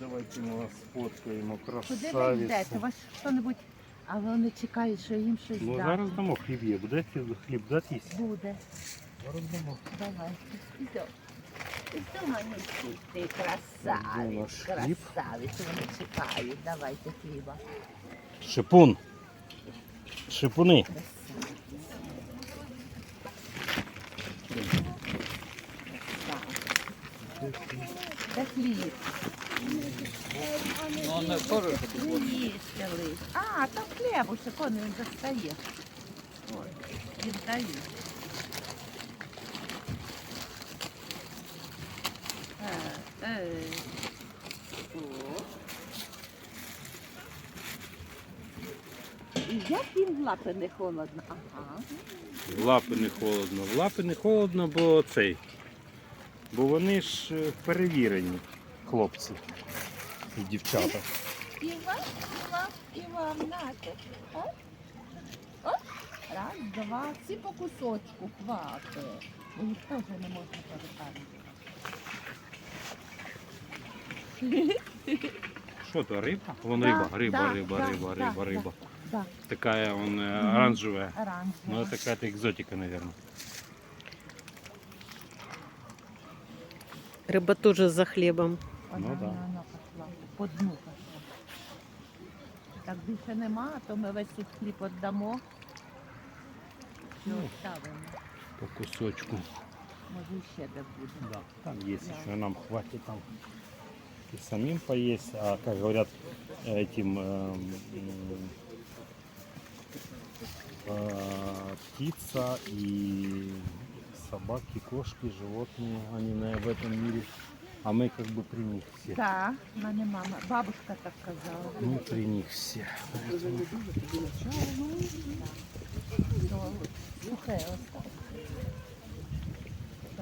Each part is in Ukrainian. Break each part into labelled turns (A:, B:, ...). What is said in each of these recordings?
A: Давайте ми вас сфоткаємо,
B: Куди ви йдете?
A: красавиці.
B: Вас хто-небудь, а вони чекають, що їм щось
A: Ну
B: дати.
A: зараз дамо хліб є. Будете хліб дати?
B: Буде.
A: Зараз дамо.
B: Давай. Іди. Іди, маленький, ти красавець.
A: наш хліб.
B: Красавець, вони чекають. Давайте хліба.
A: Шипун. Шипуни.
B: Де хліб?
C: Ну, он теж
B: Не їсти лиш. А, там хлібушек, он він достає. Ой, віддаю. О. І як їм в лапи не холодно? Ага.
A: В лапи не холодно. В лапи не холодно, бо Бо вони ж перевірені, хлопці і дівчата.
B: І вам, нате. Оп. Оп. Раз, два, всі по кусочку, хватить. Бо їх теж не можна перепарити.
A: Що то, риба? Вон
B: Да,
A: риба,
B: да,
A: риба.
B: Да,
A: Такая он оранжевая.
B: оранжево.
A: Ну это какая-то экзотика, наверное.
D: Рыба тоже за хлебом.
B: Вона,
A: Ну, да.
B: вона пішла, по дну пішла. Так більше нема, то ми весь тут хліб віддамо. І
A: Ну.
B: оставимо.
A: По кусочку.
B: Може ще де буде.
A: Да, там есть
B: Да.
A: еще, нам хватит там и самим поесть, а как говорят этим птица и собаки, кошки, животные, они в этом мире, а мы как бы при них все.
B: Так, в мене мама, бабушка так казала.
A: Мы при них все. Поэтому
B: Сухе осталось. Так.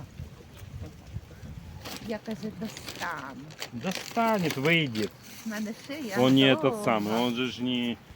B: Я каже, достану.
A: достанет, выйдет.
B: В мене шия.
A: Он не
B: довга.
A: этот самый, он же ж не